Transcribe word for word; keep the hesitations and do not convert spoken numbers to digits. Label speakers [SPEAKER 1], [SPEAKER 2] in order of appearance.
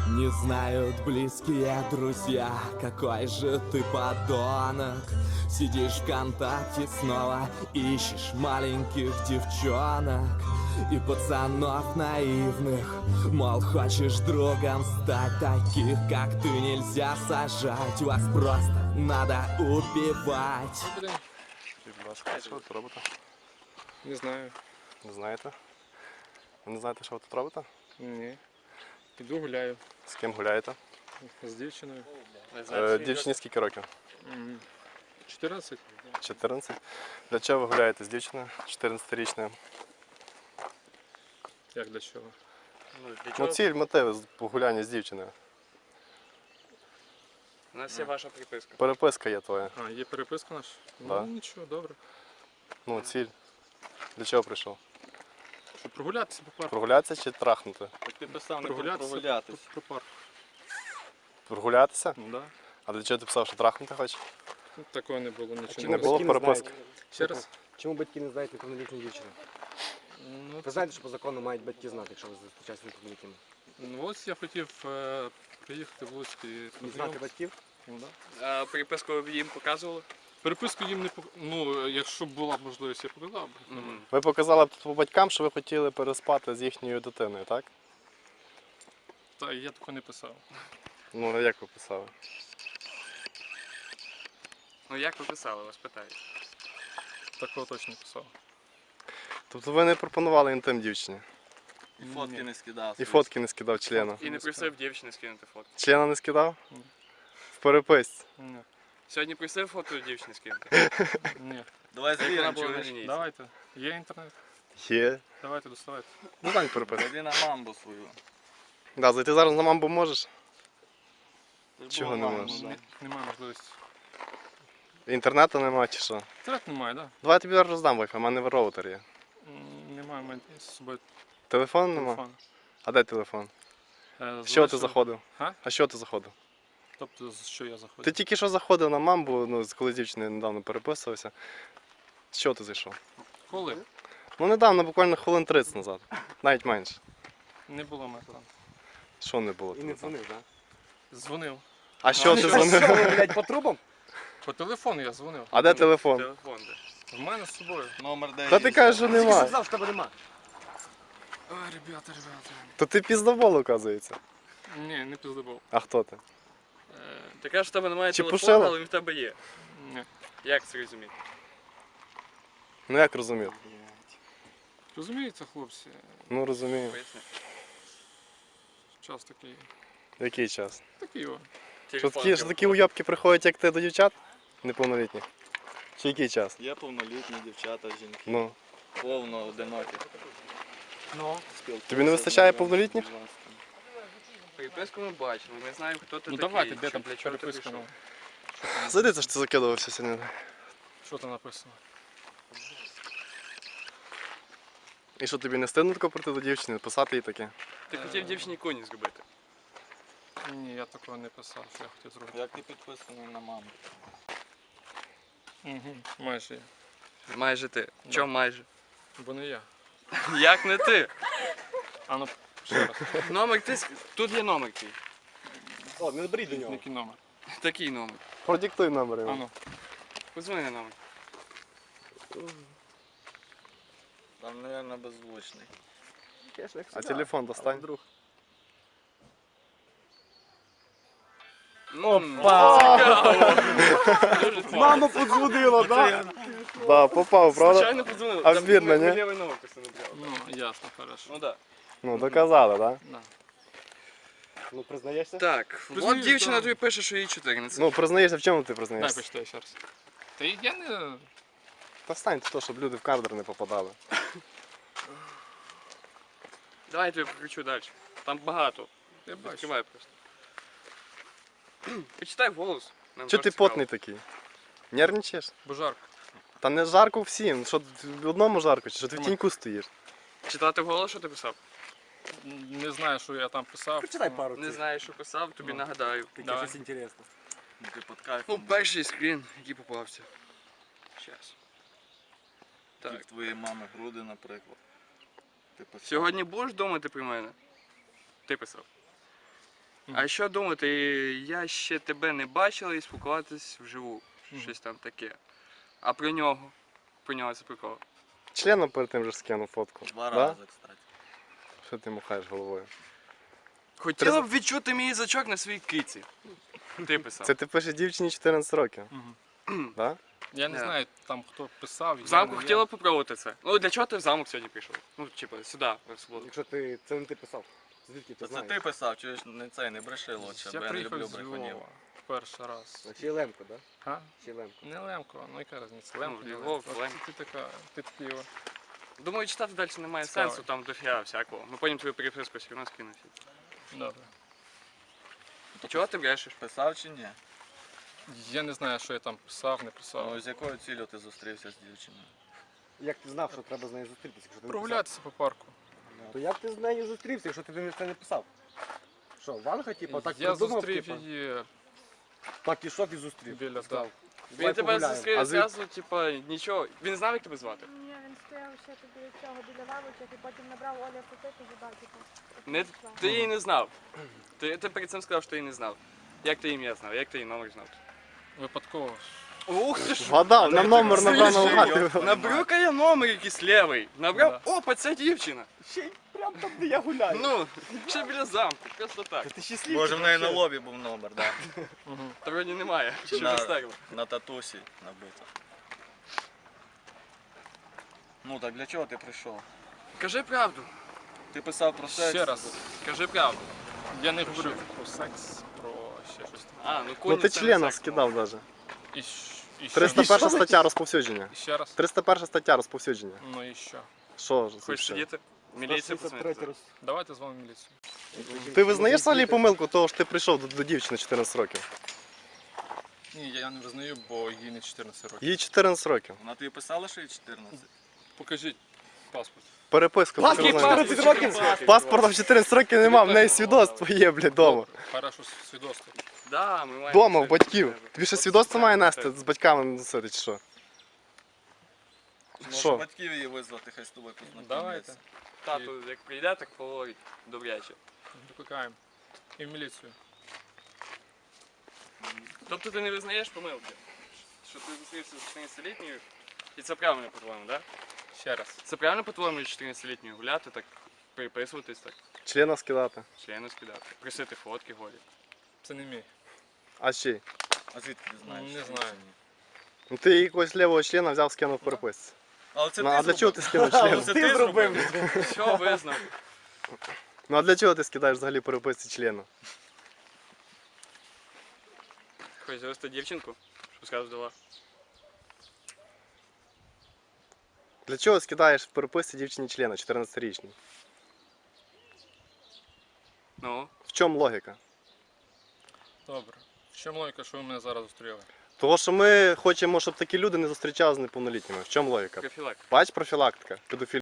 [SPEAKER 1] Не знают близкие друзья, какой же ты подонок. Сидишь ВКонтакте снова, ищешь маленьких девчонок и пацанов наивных, мол, хочешь другом стать. Таких, как ты, нельзя сажать, вас просто надо убивать.
[SPEAKER 2] Будь ласка, що ви тут робите?
[SPEAKER 3] Не знаю.
[SPEAKER 2] Не знаєте? Ви не знаєте, що ви тут робите?
[SPEAKER 3] Ні. Іду гуляю
[SPEAKER 2] З ким гуляєте?
[SPEAKER 3] з дівчиною.
[SPEAKER 2] Е, дівчині скільки років?
[SPEAKER 3] М, чотирнадцять.
[SPEAKER 2] чотирнадцять. Для чого ви гуляєте з дівчиною чотирнадцятирічною?
[SPEAKER 3] Як для чого?
[SPEAKER 2] Ну, ціль, мотиви з- погуляння з дівчиною.
[SPEAKER 4] У нас є ваша приписка.
[SPEAKER 2] Переписка є твоя.
[SPEAKER 3] А, є переписка наша?
[SPEAKER 2] Да.
[SPEAKER 3] Ну нічого, добре.
[SPEAKER 2] Ну, ціль. Для чого прийшов?
[SPEAKER 3] Щоб прогулятися по парку.
[SPEAKER 2] Прогулятися чи трахнути?
[SPEAKER 4] Так ти писав не
[SPEAKER 3] Прогулятися
[SPEAKER 4] прогулятись.
[SPEAKER 3] по, по парку.
[SPEAKER 2] Прогулятися?
[SPEAKER 3] Ну да.
[SPEAKER 2] А для чого ти писав, що трахнути хочеш?
[SPEAKER 3] Ну, такого не було, нічого
[SPEAKER 2] Не
[SPEAKER 3] не
[SPEAKER 2] було
[SPEAKER 3] було.
[SPEAKER 2] переписки?
[SPEAKER 3] Ще раз?
[SPEAKER 5] Чому батьки не знають неповнолітньої дівчини?
[SPEAKER 3] Ну,
[SPEAKER 5] Ви знаєте, що по закону мають батьки знати, якщо ви зустрічаєтеся з неповнолітніми?
[SPEAKER 3] ну ось я хотів е, приїхати в Луцьк і
[SPEAKER 5] Не знати
[SPEAKER 3] познайомитися.
[SPEAKER 5] батьків?
[SPEAKER 3] Ну, да.
[SPEAKER 4] А приписку ви їм показували?
[SPEAKER 3] Переписку їм не пок... Ну, якщо б була можливість, я показав б.
[SPEAKER 4] Мгм.
[SPEAKER 2] Ви показали б по батькам, що ви хотіли переспати з їхньою дитиною, так?
[SPEAKER 3] Та я такого не писав.
[SPEAKER 2] Ну, а як ви писали?
[SPEAKER 4] Ну як ви писали, вас питають.
[SPEAKER 3] Такого точно не писав.
[SPEAKER 2] Тобто ви не пропонували інтим дівчині?
[SPEAKER 4] І фотки не скидав.
[SPEAKER 2] І фотки не скидав члена?
[SPEAKER 4] І не просив дівчини скинути фотки.
[SPEAKER 2] Члена не скидав?
[SPEAKER 3] Ні.
[SPEAKER 2] В переписці?
[SPEAKER 3] Ні.
[SPEAKER 4] Сьогодні просив фото дівчини скинути.
[SPEAKER 3] Ні.
[SPEAKER 4] Давай
[SPEAKER 3] Як вона
[SPEAKER 4] звіримо,
[SPEAKER 3] була
[SPEAKER 4] чи
[SPEAKER 3] на-
[SPEAKER 4] вона женіться.
[SPEAKER 3] Давайте. Є інтернет?
[SPEAKER 2] Є.
[SPEAKER 3] Давайте, доставайте.
[SPEAKER 2] Ну, так переписку.
[SPEAKER 4] Зайди на мамбу свою.
[SPEAKER 2] Да, зайти зараз на мамбу можеш?
[SPEAKER 4] Ти ж
[SPEAKER 2] Чого
[SPEAKER 4] була
[SPEAKER 2] не
[SPEAKER 4] мамба,
[SPEAKER 2] можеш?
[SPEAKER 4] да.
[SPEAKER 3] Не, немає можливості.
[SPEAKER 2] Інтернету немає чи що?
[SPEAKER 3] Інтернет немає, так?
[SPEAKER 2] Давай я тобі зараз роздам Wi-Fi, у мене роутер є.
[SPEAKER 3] Да? М, Немає в мене з собою
[SPEAKER 2] Телефон нема?
[SPEAKER 3] телефону.
[SPEAKER 2] А де телефон?
[SPEAKER 3] Е,
[SPEAKER 2] З чого ти
[SPEAKER 3] залишив-
[SPEAKER 2] заходив?
[SPEAKER 3] Га?
[SPEAKER 2] А що ти заходив?
[SPEAKER 3] Тобто, з що я заходжу?
[SPEAKER 2] Ти тільки що заходив на мамбу, ну, коли з дівчиною недавно переписувався. З чого ти зайшов?
[SPEAKER 3] Коли?
[SPEAKER 2] Ну недавно, буквально хвилин тридцять назад. Навіть менше.
[SPEAKER 3] Не було мене там.
[SPEAKER 2] Що не було?
[SPEAKER 5] І не
[SPEAKER 2] тебе там?
[SPEAKER 5] дзвонив, так?
[SPEAKER 3] Дзвонив.
[SPEAKER 2] А що ти
[SPEAKER 5] Що,
[SPEAKER 2] дзвонив?
[SPEAKER 5] що ви, блядь, по трубам?
[SPEAKER 3] По телефону я дзвонив.
[SPEAKER 2] А де телефон?
[SPEAKER 4] Телефон де.
[SPEAKER 3] В мене з собою.
[SPEAKER 4] Номер де.
[SPEAKER 2] Та ти кажеш, що
[SPEAKER 5] Тільки що
[SPEAKER 2] нема.
[SPEAKER 5] сказав, що тебе нема.
[SPEAKER 3] Ой, ребята, ребята.
[SPEAKER 2] То ти піздобол, оказується.
[SPEAKER 3] Ні, не пиздобол.
[SPEAKER 2] А хто ти?
[SPEAKER 3] Е,
[SPEAKER 4] Ти кажеш, що в тебе немає
[SPEAKER 2] Чи
[SPEAKER 4] телефону,
[SPEAKER 2] пошила?
[SPEAKER 4] але він в тебе є.
[SPEAKER 3] ні.
[SPEAKER 4] Як це розуміти?
[SPEAKER 2] Ну як розумів?
[SPEAKER 3] Розумієте, хлопці,
[SPEAKER 2] Ну розумію.
[SPEAKER 4] Поясни.
[SPEAKER 3] час такий.
[SPEAKER 2] Який час?
[SPEAKER 3] Такий о.
[SPEAKER 2] Що
[SPEAKER 4] Телефон
[SPEAKER 2] такі, що
[SPEAKER 4] треба.
[SPEAKER 2] такі уйобки приходять, як ти до дівчат? Неповнолітніх? Чи який час?
[SPEAKER 6] Є повнолітні дівчата, жінки,
[SPEAKER 2] Ну.
[SPEAKER 6] повно одинокі.
[SPEAKER 3] Ну.
[SPEAKER 2] Тобі не вистачає повнолітніх?
[SPEAKER 4] Приписку ми бачимо, ми знаємо, хто ти
[SPEAKER 3] Ну
[SPEAKER 4] такий.
[SPEAKER 3] давайте, де
[SPEAKER 4] чи
[SPEAKER 3] там
[SPEAKER 4] для чого ти
[SPEAKER 3] переписка?
[SPEAKER 4] прийшов.
[SPEAKER 3] ну?
[SPEAKER 2] Зайди, це ж ти закидувався сьогодні.
[SPEAKER 3] Що там написано?
[SPEAKER 2] І що тобі не стидно тако прийти до дівчини, писати їй таке?
[SPEAKER 4] Ти хотів дівчині коні зробити.
[SPEAKER 3] Ні, я такого не писав, що я хотів зробити.
[SPEAKER 6] Як ти підписаний на маму?
[SPEAKER 3] Угу. Майже є.
[SPEAKER 4] Майже ти. Чому майже?
[SPEAKER 3] Бо не я.
[SPEAKER 4] Як не ти?
[SPEAKER 3] А ну, ще раз.
[SPEAKER 4] Номер ти. ск- Тут є номер твій.
[SPEAKER 5] О, не беріть до нього.
[SPEAKER 3] Який номер?
[SPEAKER 4] Такий номер.
[SPEAKER 2] Продиктуй номер
[SPEAKER 3] А
[SPEAKER 2] йому.
[SPEAKER 3] ну.
[SPEAKER 4] Позвони на номер.
[SPEAKER 6] Там, мабуть, беззвучний.
[SPEAKER 2] А телефон достань.
[SPEAKER 5] Друг.
[SPEAKER 4] Мама
[SPEAKER 5] подзвонила, так?
[SPEAKER 2] Да, попав, правда?
[SPEAKER 4] Звичайно подзвонив.
[SPEAKER 2] А
[SPEAKER 4] Там
[SPEAKER 2] збірна,
[SPEAKER 4] ми- ми
[SPEAKER 2] ні?
[SPEAKER 4] лівий номер просто набрали.
[SPEAKER 3] Ну, ясно, хорошо.
[SPEAKER 4] Ну так.
[SPEAKER 2] Ну, доказали, так?
[SPEAKER 3] Да.
[SPEAKER 5] Ну, признаєшся?
[SPEAKER 4] Так,
[SPEAKER 3] Признаюсь,
[SPEAKER 4] от дівчина
[SPEAKER 3] да.
[SPEAKER 4] тобі пише, що їй чотирнадцять.
[SPEAKER 2] Ну, признаєшся, в чому ти
[SPEAKER 3] Дай
[SPEAKER 2] признаєшся?
[SPEAKER 3] почитаю ще раз. Та я не...
[SPEAKER 2] Та стань то, щоб люди в кадр не попадали.
[SPEAKER 4] Давай я тобі покричу далі. Там багато.
[SPEAKER 3] Я бачу.
[SPEAKER 4] Відкривай просто. Почитай голос. Нам
[SPEAKER 2] Чого
[SPEAKER 4] теж
[SPEAKER 2] ти
[SPEAKER 4] цікаво.
[SPEAKER 2] потний такий? Нервничаєш?
[SPEAKER 3] Бо жарко.
[SPEAKER 2] Та не жарко всім. Що в одному жарко, чи що ти в тіньку стоїш?
[SPEAKER 4] Читати голос, що ти писав?
[SPEAKER 3] Не знаю, що я там писав.
[SPEAKER 5] Прочитай пару.
[SPEAKER 4] Не знаєш, що писав, тобі
[SPEAKER 3] Ну.
[SPEAKER 4] нагадаю.
[SPEAKER 5] Таке
[SPEAKER 3] Давай.
[SPEAKER 5] щось інтересне.
[SPEAKER 6] Ну, ти під кайфом.
[SPEAKER 4] Ну, перший скрін, який попався. Щас.
[SPEAKER 6] Як
[SPEAKER 4] Так.
[SPEAKER 6] твоєї мами груди, наприклад. Ти писав.
[SPEAKER 4] Сьогодні будеш думати про мене? Ти писав. А що думати, я ще тебе не бачила і спілкуватись вживу.
[SPEAKER 3] Мгм.
[SPEAKER 4] Щось там таке. А про нього? Про нього це прикол.
[SPEAKER 2] Членом перед тим же скинув фотку.
[SPEAKER 6] Два
[SPEAKER 2] Да?
[SPEAKER 6] рази, кстати.
[SPEAKER 2] Що ти махаєш головою?
[SPEAKER 4] Хотіла б відчути мій язичок на своїй киці. Ти писав.
[SPEAKER 2] Це ти пишеш дівчині чотирнадцять років,
[SPEAKER 3] Мгм.
[SPEAKER 2] да?
[SPEAKER 3] Я не
[SPEAKER 4] Да.
[SPEAKER 3] знаю, там хто писав.
[SPEAKER 4] В
[SPEAKER 3] я
[SPEAKER 4] замку
[SPEAKER 3] не-
[SPEAKER 4] хотіла б попробувати це. Ну для чого ти в замок сьогодні прийшов? Ну, типу, сюди, в суботу.
[SPEAKER 5] Якщо ти це не ти писав. Звідки ти
[SPEAKER 6] Та це
[SPEAKER 5] знаєш?
[SPEAKER 6] ти писав, чуєш, не цей, не бреши лучше,
[SPEAKER 3] Я
[SPEAKER 6] бо я не
[SPEAKER 3] приїхав
[SPEAKER 6] люблю
[SPEAKER 3] з
[SPEAKER 6] брехунів.
[SPEAKER 3] Львова перший раз.
[SPEAKER 5] Чи Лемко, да?
[SPEAKER 3] А?
[SPEAKER 5] Чи Лемко.
[SPEAKER 3] Не Лемко, ну яка різниця? Лемко,
[SPEAKER 4] Ну,
[SPEAKER 3] не
[SPEAKER 4] Львов,
[SPEAKER 3] Лемко.
[SPEAKER 4] Лемко.
[SPEAKER 3] Ти така, ти такий.
[SPEAKER 4] Думаю, читати далі немає
[SPEAKER 3] Цікаво.
[SPEAKER 4] сенсу, там дофіга всякого. Ми потім твою переписку все одно скинуть.
[SPEAKER 3] Добре.
[SPEAKER 4] Чого ти брешеш?
[SPEAKER 6] Писав чи ні?
[SPEAKER 3] Я не знаю, що я там писав, не
[SPEAKER 6] Ну,
[SPEAKER 3] писав.
[SPEAKER 6] з якою цілею ти зустрівся з дівчиною?
[SPEAKER 5] Як ти знав, що треба з нею зустрітися, якщо ти не писав?
[SPEAKER 3] Прогулятися по парку.
[SPEAKER 5] То як ти з нею зустрівся, якщо ти це не писав? Що, Ванга, типу, так
[SPEAKER 3] Я
[SPEAKER 5] придумав,
[SPEAKER 3] зустрів
[SPEAKER 5] типу?
[SPEAKER 3] її
[SPEAKER 5] Так ішов і зустрів.
[SPEAKER 3] біля
[SPEAKER 5] Сказав,
[SPEAKER 3] да.
[SPEAKER 4] Він
[SPEAKER 5] «Давай
[SPEAKER 4] тебе
[SPEAKER 5] погуляємо».
[SPEAKER 4] зустрів
[SPEAKER 2] А звід-
[SPEAKER 4] зразу, типа, нічого. Він знав, як тебе звати?
[SPEAKER 7] Ні, він стояв ще тут біля цього, біля лавочок, і потім набрав Оля фотити і типу.
[SPEAKER 4] Не, ти її не знав. Ти, ти перед цим сказав, що ти її не знав. Як ти ім'я знав? Як ти її номер знав?
[SPEAKER 3] Випадково.
[SPEAKER 4] Ух ти ж!
[SPEAKER 2] Вгадав, на номер набрав наугад.
[SPEAKER 4] Набрав я номер якийсь лівий. Набрав, опа, це дівчина.
[SPEAKER 5] Ще й прям там, де я гуляю.
[SPEAKER 4] Ну, ще біля замку, просто так.
[SPEAKER 5] Ти щасливий.
[SPEAKER 6] Може в неї на лобі був номер, да?
[SPEAKER 3] Угу.
[SPEAKER 4] Та вроді немає, що
[SPEAKER 6] На-
[SPEAKER 4] не стерли.
[SPEAKER 6] На татусі набито. Ну так для чого ти прийшов?
[SPEAKER 4] Кажи правду,
[SPEAKER 6] Ти писав про секс?
[SPEAKER 3] Ще раз.
[SPEAKER 4] кажи правду.
[SPEAKER 3] Я не говорю про секс, про ще щось там.
[SPEAKER 4] А, ну
[SPEAKER 2] Ну
[SPEAKER 4] коні
[SPEAKER 2] ти
[SPEAKER 4] це не
[SPEAKER 2] члена
[SPEAKER 4] секс.
[SPEAKER 2] скидав навіть.
[SPEAKER 3] І, щ- і ще.
[SPEAKER 2] триста перша стаття розповсюдження.
[SPEAKER 3] І ще раз.
[SPEAKER 2] триста перша стаття розповсюдження.
[SPEAKER 3] Ну і що?
[SPEAKER 2] Що ж?
[SPEAKER 4] Хочеш
[SPEAKER 2] це?
[SPEAKER 4] сидіти? Міліція
[SPEAKER 5] сто шістдесят третій
[SPEAKER 4] посмотрить.
[SPEAKER 5] роз-
[SPEAKER 3] Давайте з вами міліцію.
[SPEAKER 2] Ти визнаєш взагалі помилку того, що ти прийшов до, до дівчини чотирнадцять років?
[SPEAKER 3] Ні, я не визнаю, бо їй не чотирнадцять років.
[SPEAKER 2] Їй чотирнадцять років.
[SPEAKER 6] Вона тобі писала, що їй чотирнадцять?
[SPEAKER 3] Покажіть паспорт.
[SPEAKER 2] Переписку.
[SPEAKER 5] Паспорт
[SPEAKER 2] ти знаєш.
[SPEAKER 5] чотирнадцять років?
[SPEAKER 2] Паспорта в чотирнадцять років нема, в неї свідоцтво є, блядь, вдома.
[SPEAKER 3] Добре, Хорошо, свідоцтво.
[SPEAKER 4] Да, ми маємо
[SPEAKER 2] Дома, в
[SPEAKER 4] все
[SPEAKER 2] батьків.
[SPEAKER 4] від тебе.
[SPEAKER 2] Тобі ще
[SPEAKER 4] От
[SPEAKER 2] свідоцтво
[SPEAKER 4] так,
[SPEAKER 2] має
[SPEAKER 4] так.
[SPEAKER 2] нести з батьками носити чи що?
[SPEAKER 6] Може
[SPEAKER 2] Що?
[SPEAKER 6] батьків її визвати, хай з тобою познайомляться.
[SPEAKER 3] Давайте.
[SPEAKER 4] Тату, як прийде, так поговорить добряче.
[SPEAKER 3] Викликаємо. І в міліцію.
[SPEAKER 4] Тобто ти не визнаєш помилки? Що ти зустрівся з чотирнадцятилітньою? І це правильно, по-твоєму, так? Да?
[SPEAKER 3] Ще раз.
[SPEAKER 4] Це правильно, по-твоєму, чотирнадцятилітньою гуляти, так переписуватись, так,
[SPEAKER 2] Члена скидати.
[SPEAKER 4] члени скидати, просити фотки голі.
[SPEAKER 3] Це не мій.
[SPEAKER 2] А ще?
[SPEAKER 6] А звідки ти знаєш?
[SPEAKER 3] Не
[SPEAKER 6] що
[SPEAKER 3] знаю.
[SPEAKER 6] це ні?
[SPEAKER 2] Ну ти якогось лівого члена взяв, скинув в переписці.
[SPEAKER 6] Але це
[SPEAKER 2] Ну
[SPEAKER 6] ти
[SPEAKER 2] а для чого ти скинув
[SPEAKER 6] Але
[SPEAKER 2] член?
[SPEAKER 6] це
[SPEAKER 5] Ти
[SPEAKER 6] ти
[SPEAKER 5] зробив.
[SPEAKER 6] зробив.
[SPEAKER 4] Що визнав?
[SPEAKER 2] Ну а для чого ти скидаєш взагалі переписці члена?
[SPEAKER 4] Хочеш завести дівчинку? Що скажеш до вас?
[SPEAKER 2] Для чого скидаєш в переписці дівчині члена, чотирнадцятирічній?
[SPEAKER 4] Ну,
[SPEAKER 2] В чому логіка?
[SPEAKER 3] Добре. В чому логіка, що ви мене зараз зустріли?
[SPEAKER 2] Того, що ми хочемо, щоб такі люди не зустрічалися з неповнолітніми. В чому логіка?
[SPEAKER 4] профілак.
[SPEAKER 2] Бач, профілактика, педофілія.